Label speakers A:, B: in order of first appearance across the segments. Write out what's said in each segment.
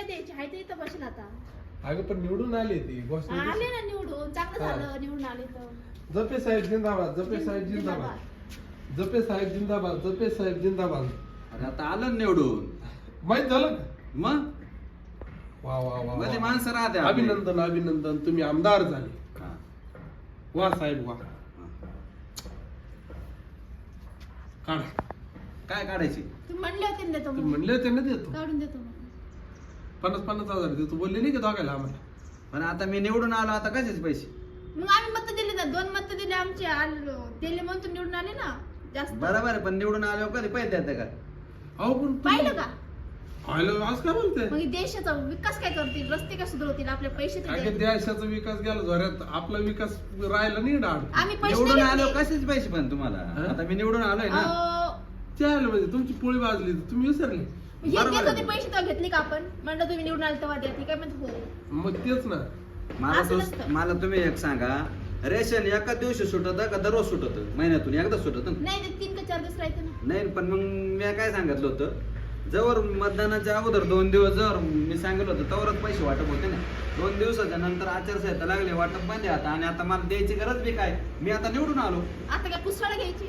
A: नाही द्यायची, हाय ते इथं बसेल आता.
B: अगं पण निवडून आले ते घोषणा
A: आले ना निवडून, चांगलं झालं निवडून आले तर.
B: जपे साहेब जिंदाबाद, जपे साहेब जिंदाबाद, जपे साहेब जिंदाबाद, जपे साहेब जिंदाबाद.
C: अरे आता आलं ना निवडून,
B: माहित झालं का?
C: मग
B: वा वा वा
C: मध्ये
B: वा.
C: माणसं राहते आपली.
B: अभिनंदन अभिनंदन, तुम्ही आमदार झाले.
C: हा.
B: वा साहेब वा. काढा.
C: काय काढायची?
A: तुम्ही म्हणले होते ना देतो
B: तुम्ही
A: म्हणून.
B: म्हणले होते ना देतो
A: काढून देतो म्हणून.
B: 50,000 देतो बोलले नाही का दोघायला आम्हाला?
C: पण आता मी निवडून आलो, आता कशाचे पैसे?
A: मग आम्ही मत दिले ना, 2 मत दिले आमचे, दिले म्हणून तुम्ही निवडून आले ना जास्त.
C: बरोबर आहे, पण निवडून आल्यावर कधी पैसे देते का?
B: अहो पण
A: पाहिलं का?
B: आलं आज काय बोलते?
A: मग देशाचा विकास काय करतील, रस्ते काय सुधारतील, आपले पैसे तर
B: अगं
A: द्या.
B: देशाचा विकास गेला जोऱ्यात, आपला विकास राहिला नाही डाळ.
A: आम्ही पैसे
C: निवडून
A: नाही
C: आलो
A: घेतले.
C: कशाचे पैसे पण तुम्हाला?
B: हा?
C: आता मी निवडून आलोय ना.
A: अहो,
B: चाल म्हणजे तुमची पोळी वाजली तुम्ही विसरले.
A: हे
C: बरोबर
A: देत
C: आहे.
A: होते पैसे तेव्हा घेतले का आपण? म्हणलं तुम्ही निवडून आले तेव्हा द्या. ती काय म्हणत हो.
B: मग तेच ना.
A: असं नसतं.
C: मला तुम्ही एक सांगा, रेशन एका दिवशी सुटत का दररोज सुटत? महिन्यातून एकदा सुटत?
A: नाही ते 3 का 4 दिवस राहते ना.
C: नाही, पण मग मी काय सांगितलं होतं, जवळ मतदानाच्या अगोदर 2 दिवस जर मी सांगितलं होतं तवरच पैसे वाटप होते ना. 2 दिवसाच्या नंतर आचारसंहिता लागली, वाटप बंद आहे आता. आणि आता मला द्यायची गरज बी काय? मी आता निवडून आलो.
A: आता काय पुस्तळं घ्यायची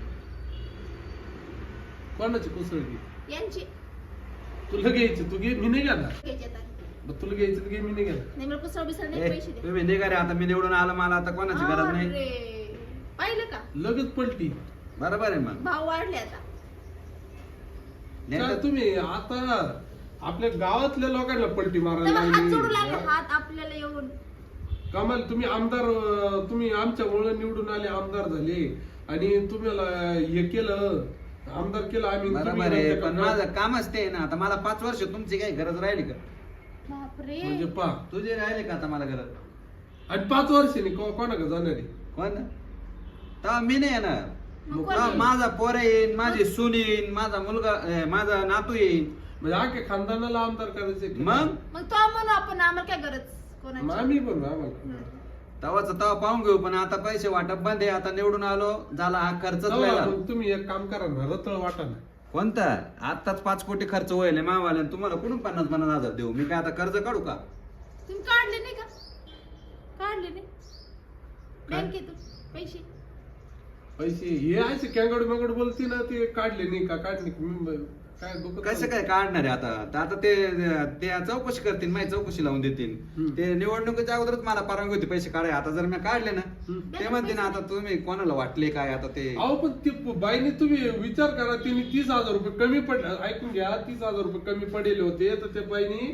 B: कोणाची कुसळली?
A: यांची
B: तुला घ्यायची तू घे, मी नाही घेणार.
A: घ्यायची आता.
B: मग तुला घ्यायची तर घे, मी नाही घेणार.
A: नाही मला पुस्तळ बिसळ नाही,
C: ए,
A: पैसे द्या.
C: तुम्ही निघा रे, आता मी निवडून आलो, मला आता कोणाची गरज नाही.
A: अरे, पाहिलं का?
B: लगेच पलटी.
C: बरोबर आहे मग.
A: भाव वाढले आता.
C: नाही
B: काय
C: तर-
B: तुम्ही आता आपल्या गावातल्या लोकांना पलटी
A: तेव्हा
B: मारायला
A: हात जोडू लागले,
B: लागली.
A: हात आपल्याला येऊन.
B: कमाल तुम्ही आमदार, तुम्ही आमच्यामुळे निवडून आले, आमदार झाले आणि तुम्हाला हे केलं, आमदार केलं आम्ही.
C: बरोबर
B: तुम्ही
C: आहे,
B: नंतर
C: पण
B: का-
C: माझं कामच ते आहे ना. आता मला 5 वर्ष तुमची काही गरज राहिली का?
A: बापरे.
B: म्हणजे पा
C: तुझी राहिली का आता मला गरज?
B: आणि 5 वर्षांनी कोणाकडे जाणार आहे?
C: कोण? तेव्हा मी नाही येणार.
A: मग कोण
C: तेव्हा
A: येईल?
C: माझा पोर येईन, माझी सून येईन, माझा मुलगा माझा नातू येईन.
B: म्हणजे अख्ख्या खानदानाला आमदार करायचे.
C: मग
A: मग तो म्हणू आपण, आम्हाला काय गरज कोणाची?
B: आम्ही पण आम्हाला
C: तवाच तवा पाहून घेऊ. पण आता पैसे वाटप बंद आहे. आता निवडून आलो, झाला हा खर्चच
B: तेव्हा
C: व्हायला.
B: मग तुम्ही एक काम करा ना, रतळ वाटा ना.
C: कोणता? आताच 5 कोटी खर्च होईल मावाला. तुम्हाला कुठून 50,000 देऊ? मी काय आता कर्ज काढू का?
A: तुम्ही काढले नाही का? काढले नाही
B: काय?
A: बँकेतून पैसे.
B: पैसे हे असे कॅंगड मगड बोलते ना, ते काढले नाही का काढले का? मी काय डोकं
C: कसं काय काढणार आहे आता? तर आता ते चौकशी करतील, माझी चौकशी लावून देतील.
B: हम्म.
C: ते निवडणुकीच्या अगोदरच मला परवानगी होती पैसे काढाय. आता जर मी काढले ना,
B: हम्म.
C: ते म्हणते ना आता तुम्ही कोणाला वाटले काय आता ते.
B: अहो पण ती बाईने तुम्ही विचार करा, तिने 30,000 रुपये कमी पडले. ऐकून घ्या, 30,000 रुपये कमी पडलेले होते, तर त्या बाईनी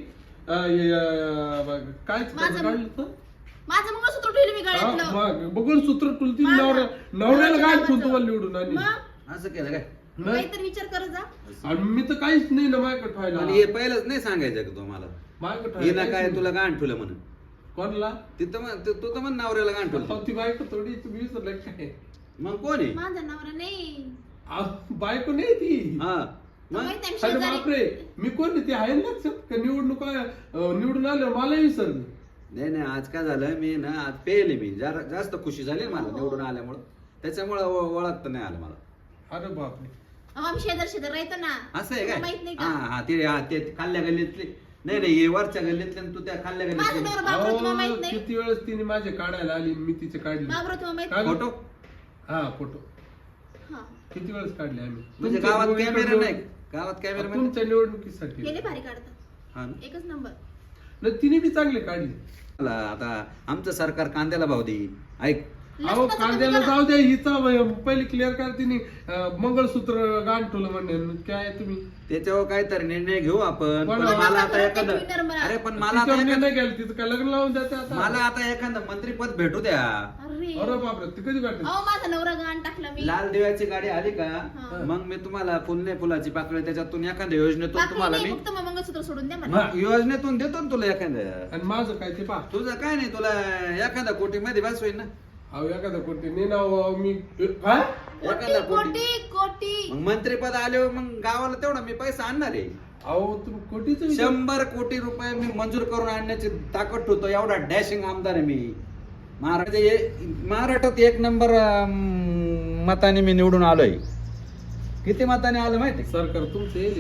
B: काय
A: माझं-
B: काढलं तर?
A: माझं मंगळसूत्र ठेवलं मी गळ्यातलं.
B: मग बघून सूत्र तुलती
A: माझं-
B: नवऱ्याला
A: माझ्या
B: काय
A: नावाचं.
B: तुम्हाला निवडून आणि
A: मग
C: असं केलं काय?
B: नाही.
A: काहीतरी विचार करत जा.
B: आणि मी तर काहीच नाही ना माझ्याकडे ठेवायला.
C: पण हे पहिलंच नाही सांगायचं का तुम्हाला?
B: माझ्याकडे
C: हिला
B: ठेवायला
C: काय
B: काहीच
C: तुला
B: नाही.
C: गाण ठेवलं म्हणून?
B: कोणाला?
C: तिथं तू तर म्हण नवऱ्याला गाण
B: अहो,
C: ठेवलं.
B: ती बायको थोडी तुम्ही विसरलं काय?
C: मग कोण आहे?
A: माझा नवरा नाही.
B: अहो, बायको नाही ती.
C: हा
A: तो
C: मग
A: माहित नाही,
B: अरे
A: शेजारी.
B: बापरे, मी कोण नाही, ती आहे ना लक्षात का? निवडणूक निवडून आलं मला विसरलं.
C: नाही नाही, आज काय झालं, मी ना आज पेले, मी जरा जास्त खुशी झाली ना मला
A: हो.
C: निवडून आल्यामुळं. त्याच्यामुळं ओळखता नाही आलं मला.
B: अरे बापरे.
A: अहो, आम्ही शेजार राहतो ना.
C: असं आहे
A: तुला
C: काय?
A: माहित नाही
C: हा
A: का?
C: हा, ते खाल्ल्या गल्लीतले. नाही नाही, हे वरच्या गल्लीतले आणि तू त्या खाल्ल्या
A: माझा
C: गल्लीतले.
A: नवरा बाबरो तुम्हाला माहित
B: अहो,
A: नाही.
B: किती वेळेस तिने माझे काढायला आली, मी तिचे काढले.
A: बाबरो तुम्हाला माहित
B: काय?
C: फोटो
B: हा फोटो
A: हा.
B: किती वेळेस काढले आम्ही.
C: म्हणजे
B: तुमच्या
C: गावात
B: निवडणुकीत-
C: कॅमेरा नाही? गावात कॅमेरा म्हणजे?
B: तुमच्या निवडणुकीसाठी.
A: गेले भारी काढतात.
C: हा ना.
A: एकच नंबर.
B: नाही, तिने बी चांगले काढले.
C: मला आता आमचं सरकार कांद्याला भाव देईल. ऐक,
B: अहो
A: लसणाचं
B: कांद्याला
A: कमी करा.
B: जाऊ द्या, हिचा पहिले क्लिअर करा. तिने मंगळसूत्र गाण ठेवलं म्हणणे. काय तुम्ही
C: त्याच्यावर काहीतरी निर्णय घेऊ आपण.
B: पण
C: पण
B: मला
C: मला आता
A: आता
C: एखादं,
A: तुम्ही निर्मला.
C: अरे पण मला आता
B: तिच्यावर
C: एखादं-
B: निर्णय घ्यायला तिचं काय लग्न लावून द्यायचं आता?
C: मला आता एखादं मंत्रीपद भेटू द्या.
A: अरे
B: अरे बापरे, ती कधी काढली?
A: अहो माझा नवरा गाण टाकला मी.
C: लाल दिव्याची गाडी आली का,
A: हा.
C: मग मी तुम्हाला फुलने फुलाची पाकळी त्याच्यातून एखाद्या योजनेतून
A: बाकी
C: तुम्हाला
A: नाही,
C: मी
A: फक्त मग मंगळसूत्र सोडून द्या मला.
C: मग योजनेतून देतो ना तुला एखाद्या.
B: आणि माझं काय ते पा.
C: तुझं काय नाही, तुला एखादा कोटी मध्ये बस होईल ना.
B: अहो एखादा कोणते नाही ना, अहो, मी काय
C: एखादा
A: कोटी कोटी कोटी.
C: मग मंत्रीपद आल्यावर मग गावाला तेवढा मी पैसा आणणार आहे.
B: अहो तुम्ही कोटीचं
C: 100 कोटी रुपये मी मंजूर करून आणण्याची ताकद ठेवतो. एवढा डॅशिंग आमदार आहे मी. महाराष्ट्रात 1 नंबर मताने मी निवडून आलोय. किती मताने आलं माहिती?
B: सरकार तुमचं येईल.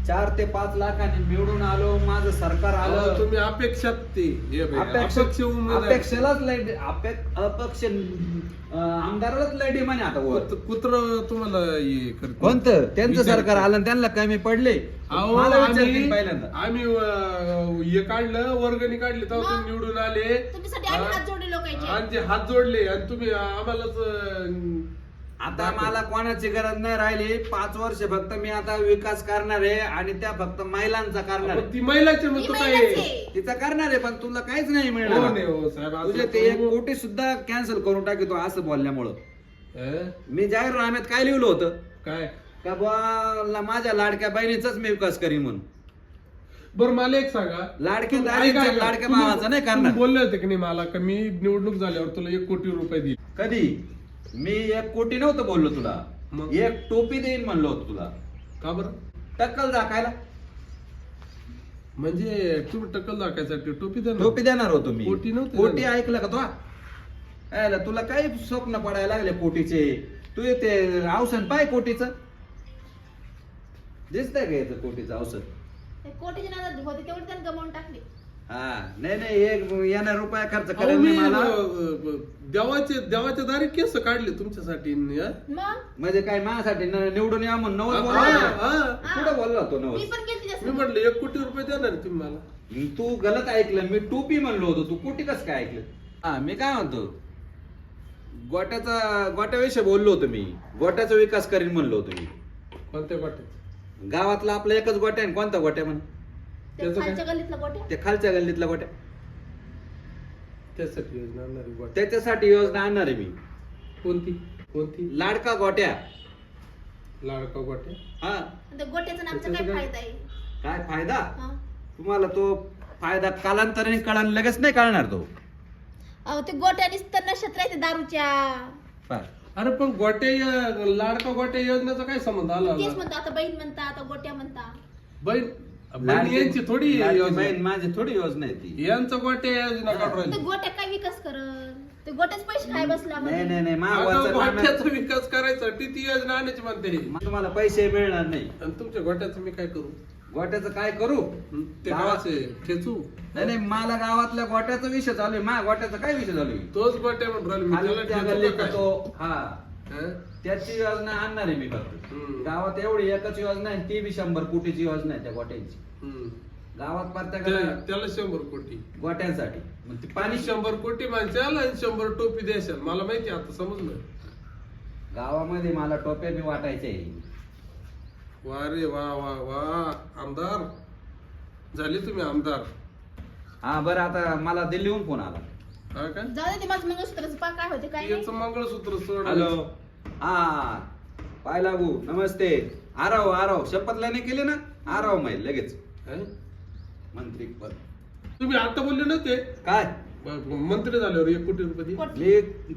C: 4 ते 5 लाखांनी निवडून आलो, माझं सरकार
B: अहो,
C: आलं.
B: तुम्ही अपेक्षात ते हे बघ, अपेक्ष उमेदवार.
C: अपेक्षेलाच लय अपक्ष आमदारालाच लय डिमांड आता वर.
B: कुत्र तुम्हाला हे करते.
C: कोणतं त्यांचं
B: विचार
C: सरकार आलं आणि त्यांना कमी पडले.
B: अहो,
C: मला विचारतील पहिल्यांदा.
B: आम्ही हे काढलं, वर्गणी काढली तेव्हा तुम्ही निवडून आले
A: तुमच्यासाठी आम्ही हात जोडले लोकांचे.
B: आणि ते हात जोडले आणि तुम्ही आम्हालाच
C: आता मला कोणाची गरज नाही राहिली. 5 वर्ष फक्त मी आता विकास करणार आहे आणि त्या फक्त महिलांचा करणार आहे.
B: ती महिलाचे मग
A: मी
B: तू
A: महिलाच
B: काय
A: आहे.
C: तिचा करणार आहे, पण तुला काहीच नाही
B: हो
C: मिळणार.
B: नाही हो साहेब, असं
C: तुझे ते
B: करू
C: 1
B: नको.
C: कोटी सुद्धा कॅन्सल करून टाकतो असं बोलल्यामुळं.
B: हं?
C: मी जाहीरनाम्यात काय लिहिलं होतं
B: काय
C: का बुवा माझ्या लाडक्या बहिणीचाच मी विकास करीन म्हणून.
B: बरं मला एक सांगा,
C: लाडकी
B: ऐका,
C: दारीच्या
B: ऐका.
C: लाडक्या
B: तुम्ही-
C: भावाचा नाही
B: तुम्ही
C: करणार.
B: बोलले होते की नाही मला का मी निवडणूक झाल्यावर तुला 1 कोटी रुपये देईल.
C: कधी मी 1 कोटी नव्हतं बोललो तुला.
B: मग?
C: 1 टोपी देईन म्हणलो होतो तुला.
B: का बरं?
C: टक्कल दाखायला
B: म्हणजे तुम्ही टक्कल दाखायसाठी टोपी देणार?
C: टोपी देणार होतो मी.
B: कोटी नव्हती
C: कोटी
B: देणार.
C: ऐकलं का तो? यायला तुला काही स्वप्न पडायला लागले कोटीचे. तू ते औषध पाय कोटीचं दिसतंय का याचं कोटीचं औषध?
A: ते कोटीचे नादात होते तेवढे त्यांनी गमावून टाकले.
C: हा नाही एक येणार रुपया खर्च
B: अहो,
C: करेल
B: मी
C: नाही मला.
B: देवाच्या दारी केस काढले तुमच्यासाठी हं?
A: मग
C: म्हणजे काय माझ्यासाठी निवडून या म्हणून नवस
B: हा,
C: बोलला.
B: हा.
C: कुठं बोलला तो
A: मी
C: नवस?
A: पण केली
B: मी
A: तसं.
B: म्हटलं 1 कोटी रुपये देणार आहे तुम्ही मला.
C: तू गलत ऐकलं. मी टोपी म्हणलो होतो, तू कोटी कसं काय ऐकलं? हा मी काय म्हणतो, गोट्याविषयी बोललो होतो मी. गोट्याचा विकास करीन म्हणलो होतो मी.
B: कोणत्या गोट्यात?
C: गावातला आपला एकच गोट्या आहे. कोणता गोट्या म्हण?
A: ते
B: त्याचं काय?
A: खालच्या गल्लीतला गोट्या.
C: ते खालच्या गल्लीतला गोट्या.
B: त्यासाठी योजना आणणार आहे गोट्या.
C: त्याच्यासाठी योजना आणणार आहे मी.
B: कोणती कोणती?
C: लाडका गोट्या.
B: लाडका गोट्या.
C: हा
A: आणि त्या गोट्याचा नामचा काय
B: त्याचं काय?
A: फायदा आहे?
C: काय फायदा?
A: हा.
C: तुम्हाला तो फायदा कालांतराने कळणार, लगेच नाही कळणार तो.
A: अहो ते गोट्यानीच तर नशेत राहते दारूच्या.
C: पाय.
B: अरे पण लाडका गोट्या योजनेचा काय संबंध आला?
A: तेच म्हणतो आता बहीण म्हणता, आता गोट्या म्हणता.
B: बहीण
C: लाडकी-
B: यांची थोडी
C: लाडकी
B: योजना.
C: बहीण माझी थोडी योजना आहे ती.
B: यांचं गोट्या योजना काढून
A: ते
B: राहिली.
A: गोट्या काय विकास करल? ते गोट्याच पैसे खाय बसला
C: नाही नाही नाही
B: अगं,
C: महागाचा
B: गोट्याचा विकास करायसाठी ती योजना आणायची म्हणते हे.
C: तुम्हाला पैसे मिळणार नाही.
B: आणि तुमच्या गोट्याचं मी काय करू?
C: गोट्याचं काय करू?
B: ते गावाचे ठेचू?
C: नाही नाही मला गावातल्या गोट्याचा विषय चालू आहे. माझ्या गोट्याचा काय विषय चालू आहे?
B: तोच गोट्या म्हणून राहिलो मी. त्याला
C: खालच्या
B: ठेचू का
C: गल्लीत
B: काय?
C: तो हा
B: हं?
C: त्याची योजना आणणार आहे मी फक्त.
B: हम्म.
C: गावात एवढी एकच योजना आहे, ती बी 100 कोटीची योजना आहे त्या गोट्यांची.
B: हम्म.
C: गावात प्रत्येकाला
B: त्याला 100 कोटी.
C: गोट्यांसाठी. मग ती
B: पाणी
C: पाणी
B: 100 कोटी माणसाला आणि 100 टोपी द्यायच्या. मला माहिती आहे, आता समजलं.
C: गावामध्ये मला टोप्या बी वाटायचे.
B: वा रे वा वा वा आमदार झाले तुम्ही आमदार.
C: हा बरं आता मला दिल्लीहून फोन आला.
B: हा का?
A: जाऊ दे ते माझं मंगळसूत्राचं पा काय होते काय नाही.
B: याचं मंगळसूत्र सोड.
C: हॅलो हा पाय लागू नमस्ते. आराव शपथ लेणे केली ना. आराव माहिती लगेच
B: हं?
C: मंत्री पद.
B: तुम्ही आता बोलले नव्हते
C: काय
B: मंत्री झाल्यावर 1 कोटी रुपये देईल.
A: कोटी.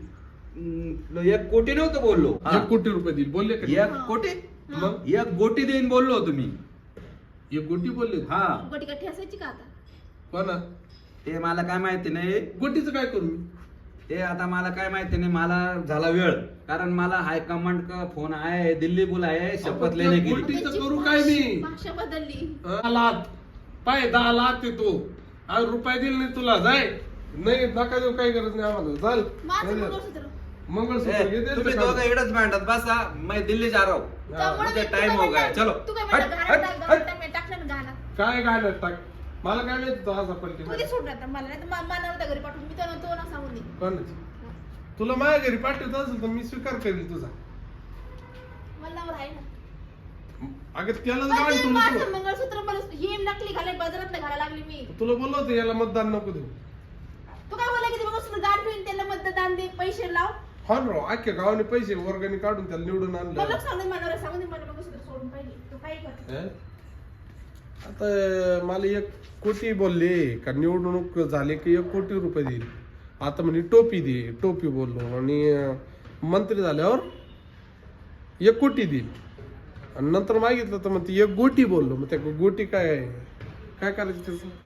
C: मी 1 कोटी नव्हतं बोललो.
B: 1 कोटी रुपये देईल बोलले का?
C: 1 कोटी
A: हा.
C: 1 गोटी देईन बोललो तुम्ही.
B: 1 कोटी बोलले.
C: हा
A: गोटी का ठेसायची का आता?
B: कोणा?
C: ते मला काय माहिती नाही.
B: गोटीचं काय करू मी?
C: ते आता मला काय माहिती नाही. मला झाला वेळ, कारण मला हायकमांड का फोन आहे, दिल्ली बुलाय, शपथ लेने
B: गोटी-
C: केली.
B: गोटीचं करू काय मी?
A: भाषा बदलली.
B: 10 लाख पाय 10 लाख देतो. आज रुपये दिले नाही तुला. जाय. नाही नका देऊ, काही गरज नाही आम्हाला. चाल.
A: माझं मंगळसूत्र.
B: मंगळसूत्र
C: ए,
B: घे, दे
C: तुम्ही
B: ते
C: दोघं
B: काढून.
C: इकडेच भांडत बसा. मैं दिल्ली जा रहा हूं.
A: त्यामुळे
C: मुझे
A: मी-
C: टाइम
A: तू
C: हो
A: काय
C: गया.
A: म्हणला?
C: चलो
A: तू काय
C: हट,
A: म्हणला?
C: हट,
A: घरात
C: हट.
A: टाकलं ना घाला.
B: काय घालत टाक. मला काय माहिती तो असा पलटी
A: तू दे सोडून आता मला नाही तर मानावर त्या घरी पाठवून मी तो ना सांगून दे.
B: कोणाची? तुला माझ्या घरी पाठवत असेल तर मी स्वीकार करेल तुझा.
A: मला नावर आहे ना.
B: अगं त्यालाच
A: पण
B: गाडी
A: ते
B: तुला
A: माझं मंगळसूत्र मला ही नकली घालाय बाजारात घालायला लागली मी.
B: तुला बोललो होतं याला मतदान नको देऊ.
A: तू काय बोला की ते मंगळसूत्र गाठ ठेवून त्याला मतदान दे पैसे लाव.
B: हा ना राव, अख्ख्या गावाने पैसे वर्गणी काढून त्याला निवडून
A: मला
B: आणलं.
A: सांगून मानावर सांगून दे मला मंगळसूत्र सोडून पाहिजे. तू काय कर.
B: हं? आता मला 1 कोटी बोलले का निवडणूक झाले की 1 कोटी रुपये देईल. आता म्हणे टोपी दे. टोपी बोललो आणि मंत्री झाल्यावर 1 कोटी देईल. आणि नंतर मागितलं तर मग ती 1 गोटी बोललो. मग त्या गोटी काय करायचं त्याचं?